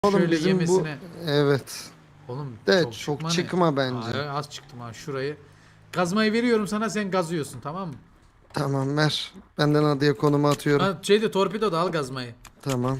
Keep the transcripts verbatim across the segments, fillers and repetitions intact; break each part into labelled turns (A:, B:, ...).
A: Oğlum
B: Şöyle
A: bizim
B: yemesine.
A: bu evet.
B: Oğlum
A: De
B: çok,
A: çok
B: çıkma ne?
A: çıkma bence.
B: Aa, az çıktım ha şurayı. Gazmayı veriyorum sana, sen gazıyorsun, tamam mı?
A: Tamam ver. Benden adaya konumu atıyorum.
B: Ha, şeyde torpido da al gazmayı.
A: Tamam.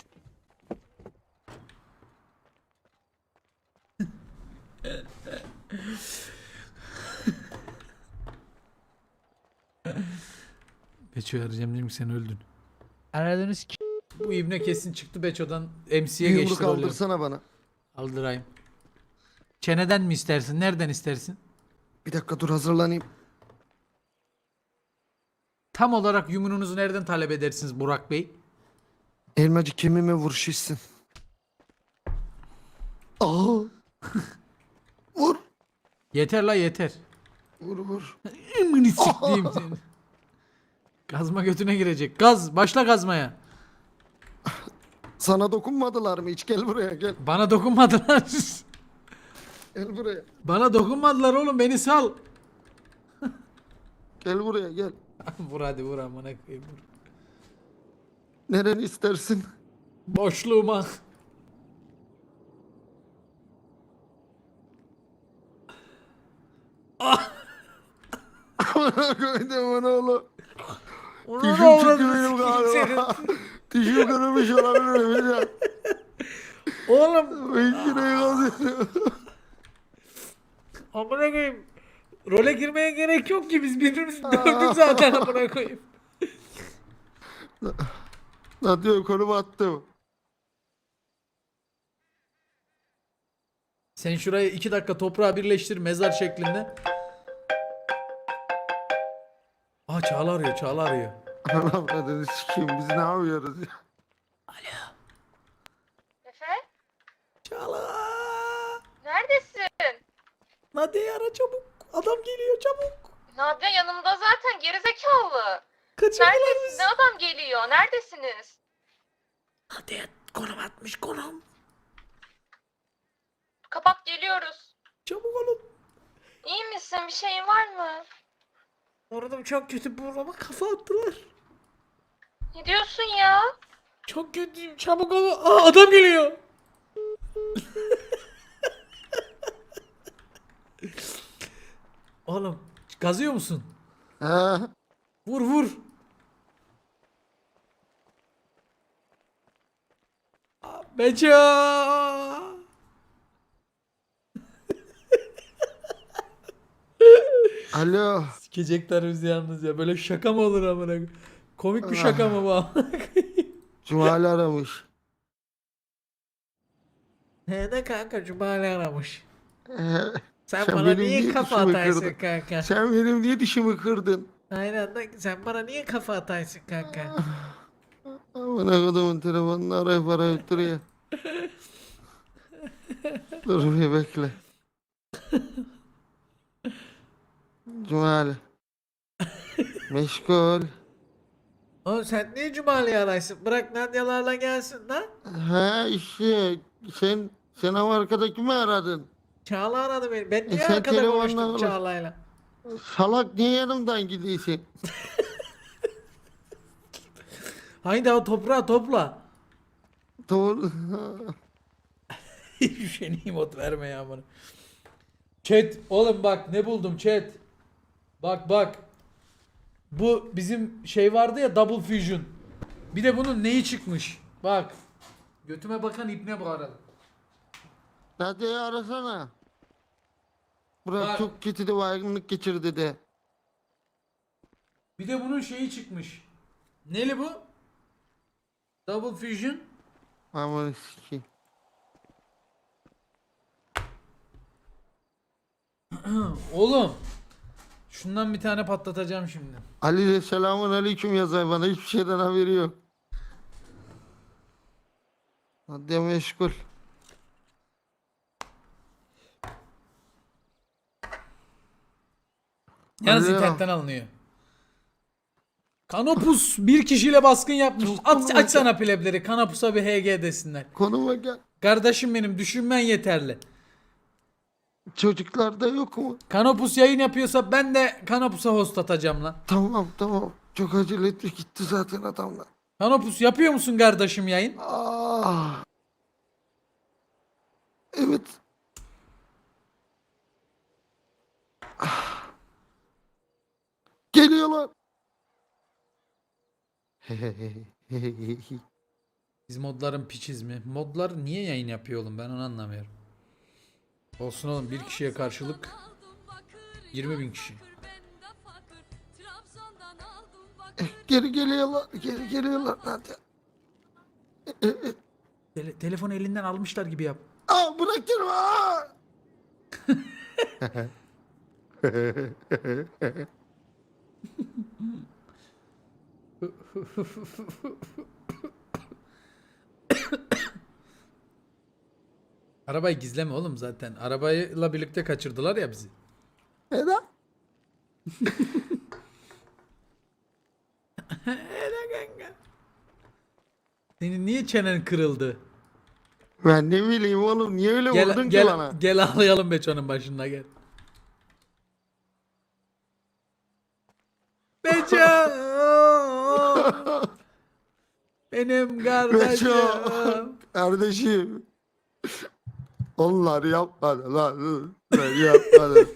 B: Beço'yu arayacağım, dedim ki sen öldün.
C: Aradığınız ki
B: Bu ibne kesin çıktı Beço'dan M C'ye
A: Bir
B: geçti
A: yumruk
B: rolü.
A: aldırsana bana.
B: Aldırayım. Çeneden mi istersin? Nereden istersin?
A: Bir dakika dur hazırlanayım.
B: Tam olarak yumruğunuzu nereden talep edersiniz Burak Bey?
A: Elmacı kemiğime vur şişsin. Aa. Vur.
B: Yeter la yeter.
A: Vur vur.
B: Emini siktiğim seni. Gazma götüne girecek. Gaz. Başla gazmaya.
A: Sana dokunmadılar mı hiç? Gel buraya gel.
B: Bana dokunmadılar.
A: Gel buraya.
B: Bana dokunmadılar oğlum, beni sal.
A: Gel buraya gel.
B: Vur hadi, vur amına koyayım, vur.
A: Nereni istersin?
B: Boşluğuma.
A: Bana koydum onu oğlum.
B: Onu
A: Dişim
B: da
A: çıktı
B: avradını
A: benim
B: sikeyim
A: galiba.
B: senin.
A: Dişim kırılmış olabilir mi?
B: Oğlum
A: Ben şurayı kazıyorum.
B: amına koyayım. Role girmeye gerek yok ki, biz birbirimizi dövdük zaten amına koyayım.
A: Ne diyor konumu attım.
B: Sen şurayı iki dakika toprağa birleştir mezar şeklinde. Aa, Çağla arıyor, Çağla arıyor.
A: Anam dedi sikeyim biz ne yapıyoruz ya?
D: Efe,
B: Çağla.
D: neredesin?
B: Nadia'yı ara çabuk. Adam geliyor çabuk.
D: Nadia yanımda zaten, gerizekalı.
B: Kaçırdılar
D: Neredesin?
B: bizi.
D: Ne adam geliyor? Neredesiniz?
B: Nadia konum atmış, konum.
D: Kapat, geliyoruz.
B: Çabuk olun.
D: İyi misin? Bir şeyin var mı?
B: Orada çok kötü, burama kafa attılar.
D: Ne diyorsun ya?
B: Çok kötüyüm, çabuk olun. Aa, adam geliyor. Oğlum gazıyor musun?
A: He?
B: Vur vur. Aa, Beço.
A: Alo.
B: Sikecekler bizi yalnız ya. Böyle şaka mı olur amına koyayım? Komik bir şaka mı bu amına koyayım?
A: Cumali aramış.
B: He de kanka, Cumali aramış.
A: Ee,
B: Sen,
A: Sen
B: bana
A: benim
B: niye
A: niye
B: kafa
A: dişimi
B: atarsın
A: kırdın?
B: kanka?
A: sen benim niye dişimi kırdın?
B: Aynen de, sen bana niye kafa atarsın kanka?
A: Amına kodumun telefonunu arayıp arayıp duruyor. Dur bir bekle. Cumali. Meşgul.
B: Oğlum sen niye Cumali'yi ararsın? Bırak Nadia'larla gelsin lan.
A: Ha işte sen sen ama arkadaki mi aradın?
B: Çağla aradı beni. Ben niye
A: E sen
B: arkada
A: telefonla
B: konuştum
A: konuş.
B: Çağla'yla?
A: Salak niye yanımdan gidiyorsun?
B: Haydi o toprağı topla.
A: Doğru.
B: Hiçbir şey nimot verme ya bana. Chat oğlum bak ne buldum chat. Bak bak. Bu bizim şey vardı ya, Double Fusion. Bir de bunun neyi çıkmış? Bak. Götüme bakan ibne bu arada.
A: Nadia'yı arasana. Burak
B: Bak.
A: çok kötü de baygınlık geçirdi de.
B: Bir de bunun şeyi çıkmış. Neli bu? Double Fusion.
A: Aman sikeyim.
B: Oğlum. Şundan bir tane patlatacağım şimdi.
A: Ali de selamun aleyküm yazar bana hiçbir şeyden haberi yok. Nadia meşgul.
B: Yalnız
A: Alo.
B: internetten alınıyor. Kanopus bir kişiyle baskın yapmış.
A: Çok
B: At,
A: komik.
B: açsana plebleri. Kanopus'a bir H G desinler.
A: Konuma gel.
B: Kardeşim benim, düşünmen yeterli.
A: Çocuklarda yok mu?
B: Kanopus yayın yapıyorsa ben de Kanopus'a host atacağım lan.
A: Tamam tamam. Çok acele etti gitti zaten adamlar.
B: Kanopus yapıyor musun kardeşim yayın?
A: Ah. Evet. Ah. Geliyorlar.
B: Biz modların piçiz mi? Modlar niye yayın yapıyor oğlum, ben onu anlamıyorum. Olsun oğlum, bir kişiye karşılık yirmi bin kişi.
A: Geri geliyorlar. Geri geliyorlar. Hadi.
B: Tele- telefonu elinden almışlar gibi yap.
A: Aa, bırakın. Aa!
B: Arabayı gizleme oğlum zaten. Arabayla birlikte kaçırdılar ya bizi.
A: Neden?
B: Senin niye çenen kırıldı?
A: Ben ne bileyim oğlum. Niye öyle
B: Gel
A: vurdun ki
B: gel
A: bana?
B: gel ağlayalım Beço'nun başında gel. Beço! Benim kardeşim.
A: Beço. Kardeşim. Onlar yapmadı lan. Ben yapmadım.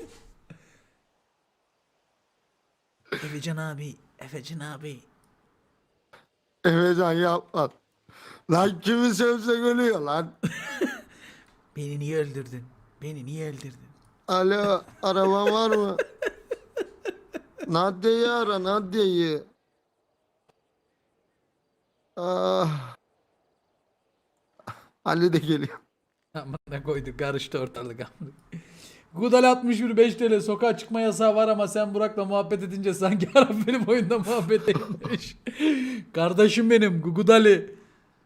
B: Efecan abi, Efecan abi.
A: Efecan yapmadı. Lan kimi sövsek ölüyor lan.
B: Beni niye öldürdün? Beni niye öldürdün?
A: Alo, araban var mı? Nadia'yı ara, Nadia'yı. Ah. Ali de geliyor.
B: Amına koyduk, karıştı ortalık. Gudal altmış bir beş T L, sokağa çıkma yasağı var ama sen Burak'la muhabbet edince sanki Arap benim oyunda muhabbet etmiş. Kardeşim benim Gudali.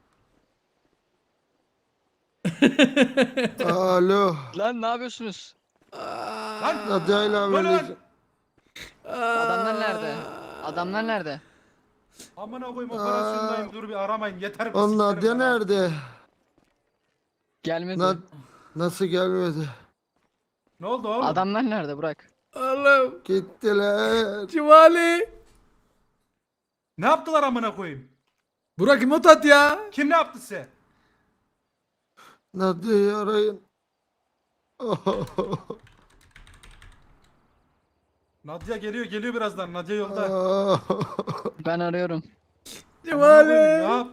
A: Alo.
E: Lan ne yapıyorsunuz?
A: Nadia ile haberleşim.
E: Adamlar nerede? Adamlar nerede?
F: Amına koyayım operasyondayım, dur bir aramayın yeter.
A: O
F: sikerim
A: Nadia
F: ben ha.
A: nerede?
E: Gelmedi.
A: Na nasıl gelmedi?
F: Ne oldu oğlum?
E: Adamlar nerede Burak?
B: Oğlum.
A: Gittiler.
B: Civali.
F: Ne yaptılar amına koyayım?
B: Burak imot at ya.
F: Kim ne yaptı size?
A: Nadia'yı arayın.
F: Nadia geliyor geliyor birazdan. Nadia yolda.
E: Ben arıyorum.
F: Amına koyayım, ne
B: Civali.
F: yap?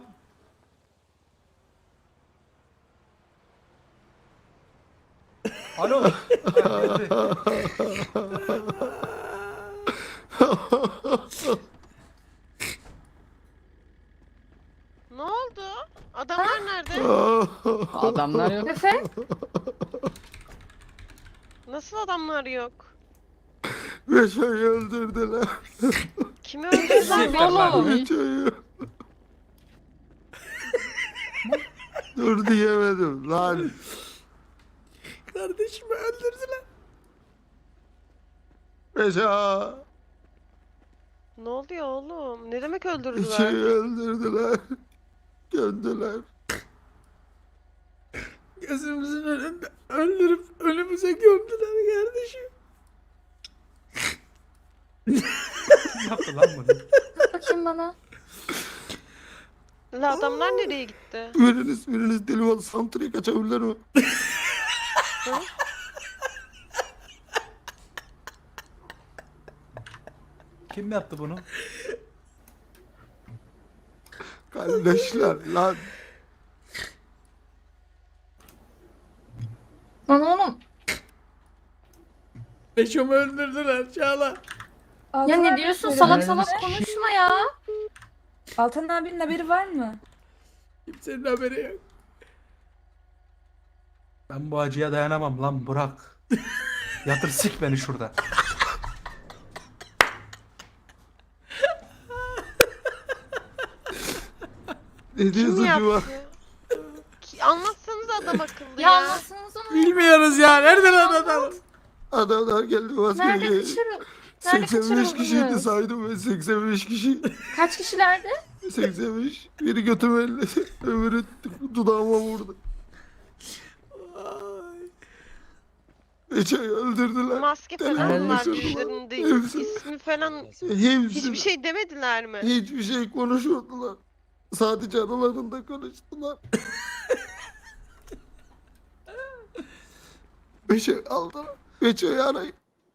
F: Alo. Ha, geldi.
G: Ne oldu? Adamlar nerede?
E: Adamlar yok.
D: Efe?
G: Nasıl adamlar yok?
A: Beşo'yu öldürdüler.
G: Kimi öldürdüler oğlum?
A: Beşo'yu. Dur diyemedim lan.
B: Kardeşimi öldürdüler.
A: Beşo.
G: Ne oluyor oğlum? Ne demek
A: Beşo'yu
G: öldürdüler?
A: öldürdüler. Gömdüler.
B: Gözümüzün önünde öldürüp önümüze gömdüler kardeşim.
F: Kim yaptı lan bunu?
D: Bakayım bana.
G: La adamlar nereye gitti?
A: Biriniz biriniz deli ol santriye kaçabilir mi?
F: Kim yaptı bunu?
A: Kardeşler lan.
D: Lan oğlum.
B: Beşomu öldürdüler Çağla.
D: Ya ne diyorsun? Salak salak konuşma ya.
H: Altan abinin haberi var mı?
B: Kimsenin haberi yok.
F: Ben bu acıya dayanamam lan Burak. Yatır sik beni şurada.
A: Ne
G: Kim
A: diyorsun Cuma?
G: yaptı? Ki- Anlatsanız adam akıllı
D: Ya
G: ya.
D: anlatsanız onu.
B: Bilmiyoruz ya. Nereden adam?
A: Adamlar geldi
D: Nerede
A: vazgeçti.
D: kaçırıl? Nerede
A: seksen beş kişiydi
D: kaçırıldınız?
A: saydım ben seksen beş kişi.
D: Kaç kişilerdi?
A: seksen beş. Biri götüme elledi. Öbürü dudağıma vurdu. Beço'yu öldürdüler.
G: Maske falan
A: Telefonu
G: var
A: düşürdüler.
G: yüzlerinde.
A: Hepsi-
G: İsmi falan
A: Hepsi
G: hiçbir şey demediler mi?
A: hiçbir şey konuşmadılar. Sadece aralarında konuştular. Beço'yu aldılar. Beço'yu arayın.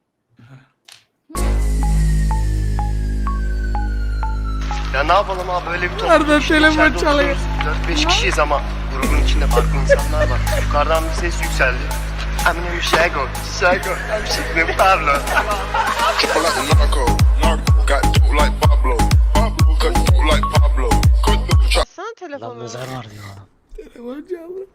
I: Ya ne yapalım abi böyle bir
B: Nereden
I: topluluk işte,
B: telefon
I: içeride
B: çalıyor?
I: oturuyoruz. dört beş kişiyiz ama grubun içinde farklı insanlar var. Yukarıdan bir ses yükseldi. Eminim Şego, Şego, I'm Şiko Pablo.
G: Sana telefonu.
I: var diyor.
B: Telefon çaldı.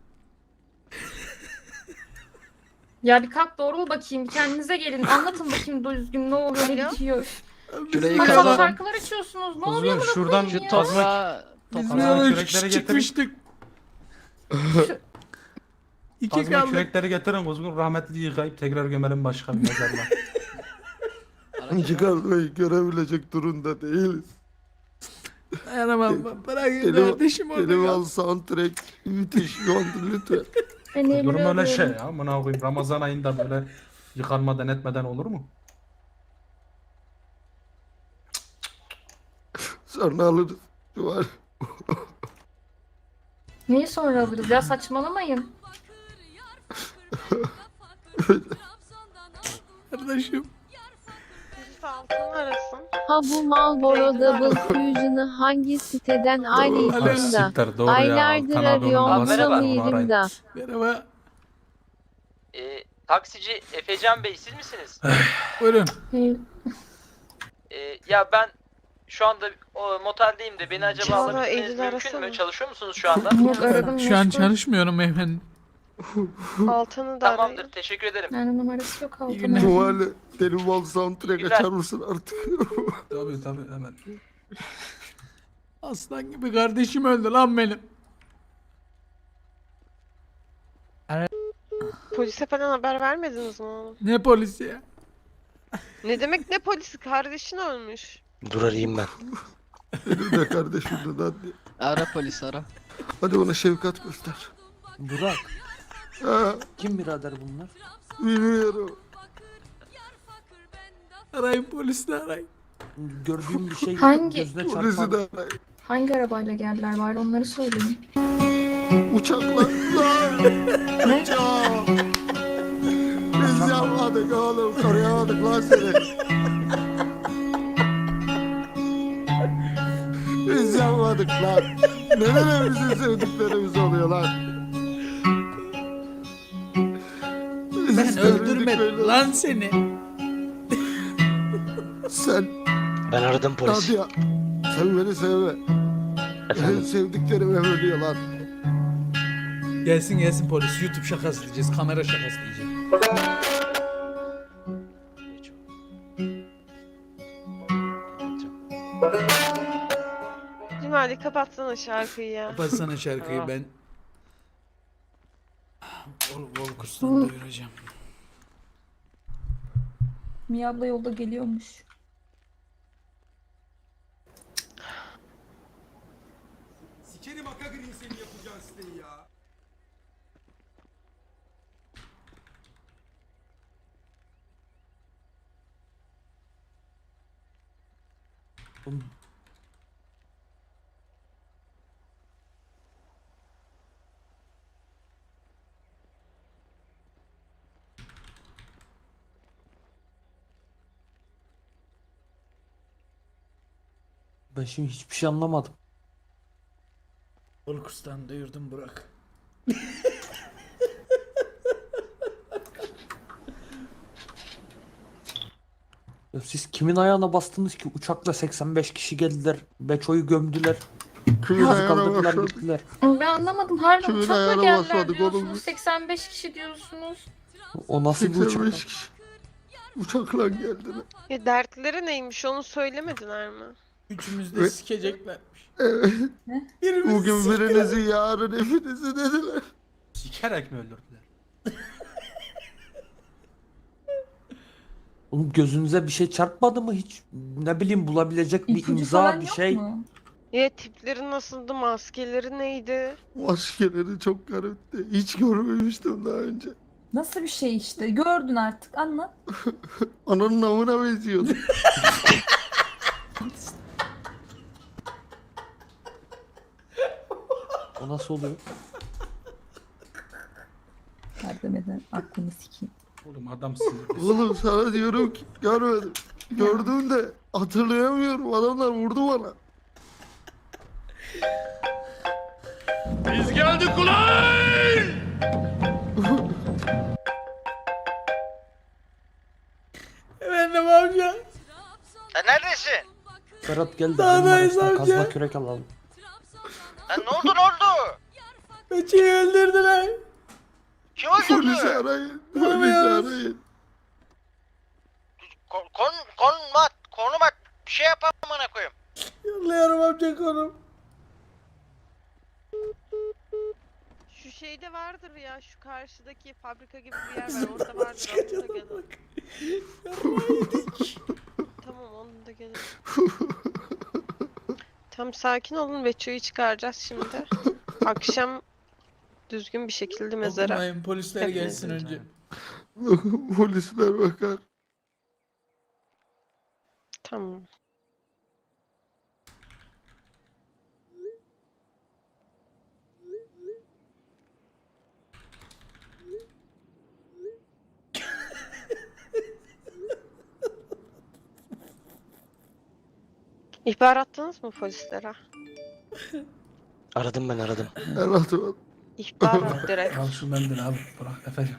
D: Ya bir kalk doğru mu bakayım? Bir kendinize gelin. Anlatın bakayım düzgün ne oluyor ne
G: Alo?
D: bitiyor.
E: Şurayı
D: Masal
E: kazalım.
D: şarkılar açıyorsunuz. Ne
F: Kuzgun,
D: oluyor buna
F: şuradan
D: koyayım
E: Şu
D: ya?
E: toprağı
B: Biz
F: Kazanın
B: ne
F: kürekleri
B: küçük
F: getirin.
B: çıkmıştık. İki
F: Kazma
B: kaldı.
F: kürekleri getirin Kuzgun, rahmetli yıkayıp tekrar gömelim başka bir mezarlığa.
A: Çıkarmayı görebilecek durumda değiliz.
B: Dayanamam. Bırakın
A: Benim,
B: kardeşim orada
A: benim
B: kal.
A: al soundtrack müthiş şu anda lütfen.
D: Ben
F: Durum
D: Eylül'ü
F: öyle şey
D: arıyorum.
F: ya. Amına koyayım, Ramazan ayında böyle yıkanmadan etmeden olur mu?
A: Sonra alırız. Şu var.
D: Neyi sonra alırız ya saçmalamayın.
B: Kardeşim.
G: Birisi altını arasın.
J: Ha bu Marlboro Double Fusion'ı hangi siteden ayrıydım da
F: Siktir, doğru ya.
J: aylardır
F: Altan abi onun
J: arıyorum
F: babası var, onu
J: sanıyorum
F: arayın.
J: da.
B: Merhaba.
K: Ee, taksici Efecan Bey siz misiniz?
B: Buyurun.
D: Eylül.
K: Ee, ya ben şu anda o, moteldeyim de beni acaba
G: Çağla,
K: alabilmeniz
G: Eylül'ü
K: mümkün
G: arasana.
K: mü? Çalışıyor musunuz şu anda?
D: Yok aradım.
B: Şu an
D: meşgul.
B: çalışmıyorum efendim.
G: Altanı da arayın.
K: Tamamdır teşekkür ederim.
D: Yani numarası yok
B: İyi günler.
D: altına.
A: Şu hali benim al soundtrack
K: Güzel.
A: açar mısın artık?
F: Tabii tabii hemen.
B: Aslan gibi kardeşim öldü lan benim.
G: Polise falan haber vermediniz mi oğlum?
B: Ne polisi ya?
G: Ne demek ne polisi? Kardeşin ölmüş.
I: Dur arayayım ben.
A: Benim de kardeşim de hadi.
E: ara polis ara.
A: Hadi ona şefkat göster.
F: Burak.
A: Ha,
F: Kim birader bunlar?
A: bilmiyorum.
B: Arayın polisi arayın.
F: Gördüğüm bir şey
D: Hangi-
F: gözüne
A: Polisi
F: çarpan.
A: de arayın.
D: Hangi arabayla geldiler bari onları söyleyin.
A: Uçakla.
D: Ne?
A: Uçak. Biz yapmadık oğlum. Koruyamadık lan seni. Biz yapmadık lan. Neden bizim sevdiklerimiz oluyor lan? Biz
B: Ben
A: istemedik
B: öldürmedim
A: böyle.
B: lan seni.
A: Sen
I: Ben aradım polisi.
A: hadi ya. Sen beni sevme. Benim sevdiklerim hep ölüyor lan.
B: Gelsin gelsin polis. YouTube şakası diyeceğiz. Kamera şakası diyeceğiz.
G: Cumali kapatsana şarkıyı ya.
B: Kapatsana şarkıyı ben. Vol Volkurs'tan duyuracağım.
H: Mia abla yolda geliyormuş.
F: Sikerim Akagri'nin seni yapacağın siteyi ya. Ben şimdi hiçbir şey anlamadım.
B: Volkurs'tan duyurdum Burak.
F: Ya siz kimin ayağına bastınız ki uçakla seksen beş kişi geldiler. Beço'yu gömdüler.
A: Kimin
F: Bizi
A: ayağına
F: kaldırdılar
A: başladık?
F: gittiler.
D: Ben anlamadım. Harbiden
A: Kimin
D: uçakla
A: ayağına
D: geldiler
A: basmadık oğlum
D: diyorsunuz.
A: biz?
D: seksen beş kişi diyorsunuz.
F: O nasıl bir uçak?
A: seksen beş kişi. Uçakla geldiler.
G: Ya dertleri neymiş onu söylemediler mi?
B: Üçümüz de
A: Ve-
B: sikeceklermiş.
A: Evet.
B: Birimiz
A: Bugün birinizi yarın hepinizi dediler.
F: Sikerek mi öldürdüler? Oğlum gözünüze bir şey çarpmadı mı hiç? Ne bileyim bulabilecek bir
H: İpucu
F: imza
H: falan
F: bir
H: yok
F: şey.
H: mu?
G: Ya tipleri nasıldı? Maskeleri neydi?
A: Maskeleri çok garipti. Hiç görmemiştim daha önce.
H: Nasıl bir şey işte? Gördün artık anlat.
A: Ananın amına benziyordu.
F: O nasıl oluyor?
H: Ya var demeden aklını sikeyim.
F: Oğlum adamsın.
A: Oğlum sana diyorum ki görmedim. Gördüğümde hatırlayamıyorum. Adamlar vurdu bana.
I: Biz geldik ulan!
B: Efendim amca.
K: Sen neredesin?
F: Ferhat gel de
B: Dağdayız
F: benim araçtan
B: amca.
F: kazma kürek alalım.
K: Lan ne oldu ne oldu?
B: Beço'yu öldürdüler.
K: Kim
A: Polisi
K: öldürdü?
A: arayın. Polisi
B: Bulamıyoruz.
A: arayın.
K: Kon, kon, konum at, konum at. Bir şey yapalım amına koyayım.
B: Yolluyorum amca konum.
G: Şu şeyde vardır ya, şu karşıdaki fabrika gibi bir yer var. Orada vardır. Onu da gelin. Tamam, onu da gelin. Tam sakin olun. Veço'yu çıkaracağız şimdi. Akşam düzgün bir şekilde mezara.
B: Okumayın, polisler
G: Hep
B: gelsin
G: mezara.
B: önce.
A: Polisler bakar.
G: Tamam. İhbar attınız mı polislere?
I: Aradım ben aradım.
A: El atı
G: İhbar at direkt.
F: Al şu mendili al bırak efendim.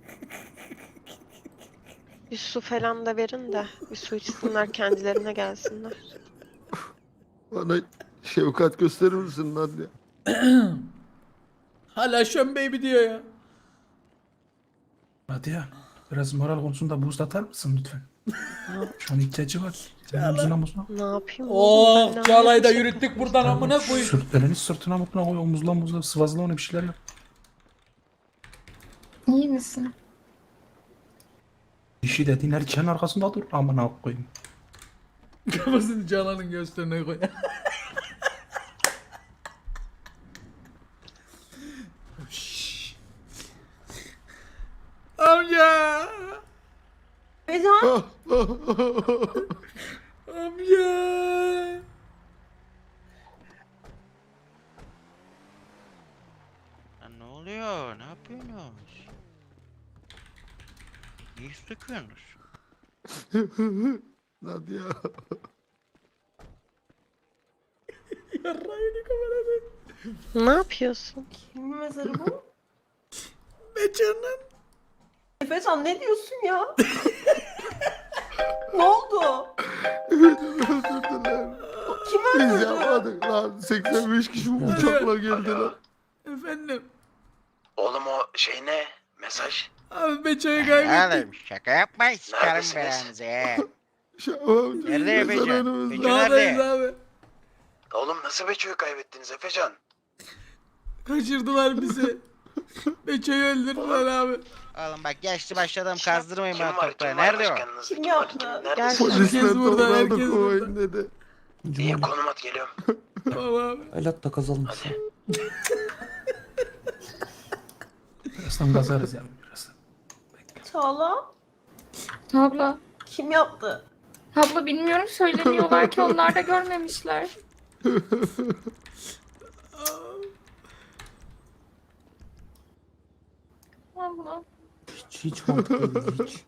G: Bir su falan da verin de bir su içsinler, kendilerine gelsinler.
A: bana şefkat gösterir misin lan ya?
B: Hala şön baby diyor ya.
F: Hadi ya biraz moral konusunda boost atar mısın lütfen? Şu an ihtiyacı var. Senin omzuna omzuna.
G: Ne yapayım oğlum, ben
B: Oh,
G: ne
B: Çağla'yı da
G: yapacağım?
B: yürüttük buradan amına koyayım.
F: Sırt, elini sırtına mutuna koy omuzla omuzla sıvazla ona bir şeyler yap.
D: İyi misin?
F: Dişi dediğin erkeğin arkasında dur amına koyayım.
B: Kafasını Çağla'nın göğüslerine koy. Amca. Amca.
K: Lan ne oluyor? Ne yapıyorsunuz? Ne iş döküyorsunuz?
A: Nadia.
B: Yarrağını kamerada.
G: Ne yapıyorsun?
H: Kimin mezarı bu?
B: Beço'nun.
H: Efecan ne diyorsun ya? ne oldu?
A: Öldürdüler.
H: Kim
A: Biz yapmadık lan. seksen beş kişi bu uçakla geldiler.
B: Efendim.
I: Oğlum o şey ne? Mesaj.
B: Abi Beço'yu kaybettik.
K: Oğlum şaka yapmayın, sıkarım
I: Neredesiniz?
K: belanızı he.
A: Şahım.
K: Nerede Efecan? Beço
B: Dağdayız
K: nerede?
B: abi.
I: Oğlum nasıl Beço'yu kaybettiniz Efecan?
B: Kaçırdılar bizi. Beço'yu öldürdüler abi.
K: Oğlum bak yaşlı başladım, kazdırmayın
I: Kim
K: bana
I: var?
K: toprağı.
I: Kim var
K: Nerede o?
I: başkanınız?
H: Kim
I: var?
H: yaptı?
I: Kim?
G: Gel.
I: Neredesiniz?
A: Polisler
B: Herkes burada,
A: toprağı
B: herkes
A: kovayım
B: burada.
A: dedi.
I: İyi konum at geliyorum.
B: Tamam abi.
F: El at da kazalım. Birazdan kazarız yani birazdan.
H: Çağla
D: Abla.
H: kim yaptı?
D: Abla bilmiyorum, söyleniyorlar ki onlar da görmemişler. Abla.
F: Hiç hiç mantıklı değil hiç.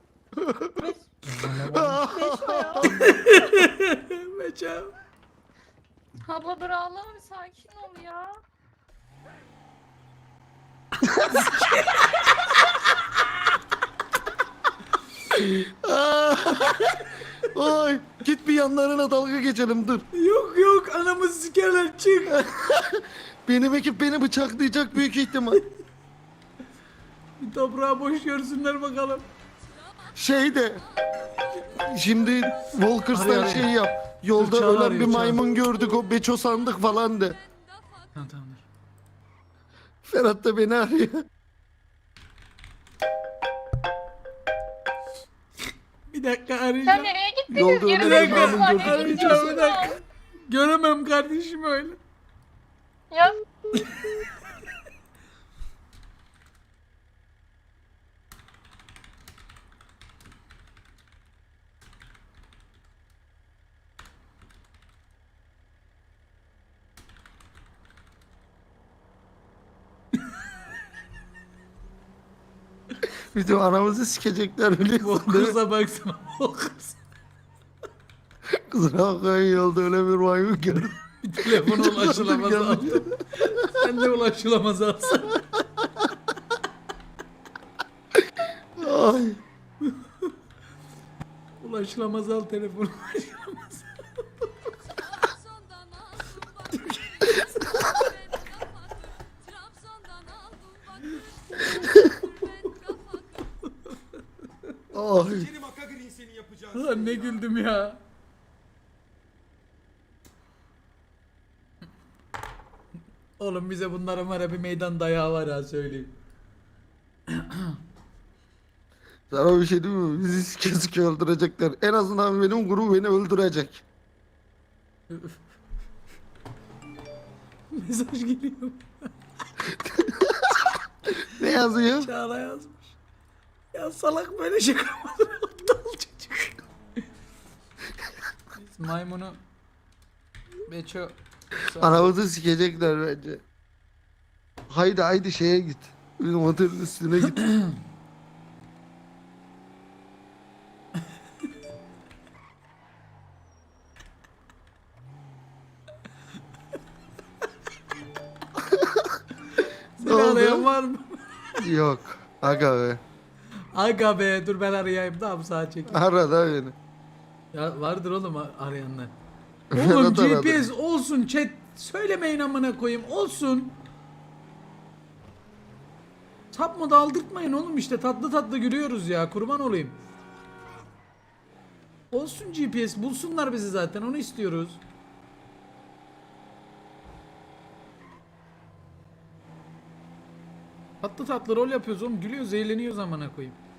B: Beço.
D: Abla dur ağlama, bir sakin ol ya.
A: Oy git bir yanlarına dalga geçelim dur.
B: Yok yok, anamızı sikerler, çık.
A: Benim ekip beni bıçaklayacak büyük ihtimal.
B: Bir toprağı boş görsünler bakalım.
A: Şey de şimdi Walkers'tan
B: Arıyor,
A: şey
B: arıyor.
A: yap. Yolda
B: Dur, Çağla
A: ölen
B: arıyor,
A: bir
B: Çağla.
A: maymun gördük, o Beço sandık falan de.
B: Tamam tamam.
A: Ferhat da beni arıyor.
B: Bir dakika
D: Ya
B: arayacağım.
D: nereye gittiniz?
A: Yolda
D: Geri
A: ölen bir
D: dönüyoruz.
A: maymun
D: Nereye
A: gördük.
B: Arayacağım bir
D: gidiyorsunuz?
B: dakika. Göremem kardeşim öyle.
D: Ya
A: Bizim anamızı sikecekler biliyorsun değil mi?
B: Kıza baksana. O kız.
A: Kusura bakmayın yolda öyle bir maymun gördüm.
B: Bir telefona ulaşılamaz
A: Gördüm,
B: aldım. Sen de ulaşılamaz alsın.
A: Ay.
B: Ulaşılamaz al telefonu. Ulaşılamaz.
A: Ay.
B: Lan ne güldüm ya. Oğlum bize bunların var ya bir meydan dayağı var ha söyleyeyim.
A: Sana bir şey diyeyim mi? Bizi sike sike öldürecekler. En azından benim grubu beni öldürecek.
B: Mesaj geliyor.
A: Ne yazıyor?
B: Çağla yazmış. Ya salak böyle şey yapmadı. Aptal çocuk. Biz maymunu Beço
A: Anamızı sikecekler bence. Haydi haydi şeye git. Bizim otelin üstüne git.
B: Seni
A: oldu?
B: arayan var mı?
A: Yok. Aga be.
B: Aga be dur ben arayayım tamam sağa çek.
A: Ara da beni.
B: Ya vardır oğlum a- arayanlar.
A: Ferhat
B: Oğlum G
A: aradı.
B: P S olsun chat. Söylemeyin amına koyayım olsun. Sapma da aldırtmayın oğlum işte tatlı tatlı gülüyoruz ya kurban olayım. Olsun G P S bulsunlar bizi zaten onu istiyoruz. Tatlı tatlı rol yapıyoruz oğlum gülüyoruz eğleniyoruz amına koyayım.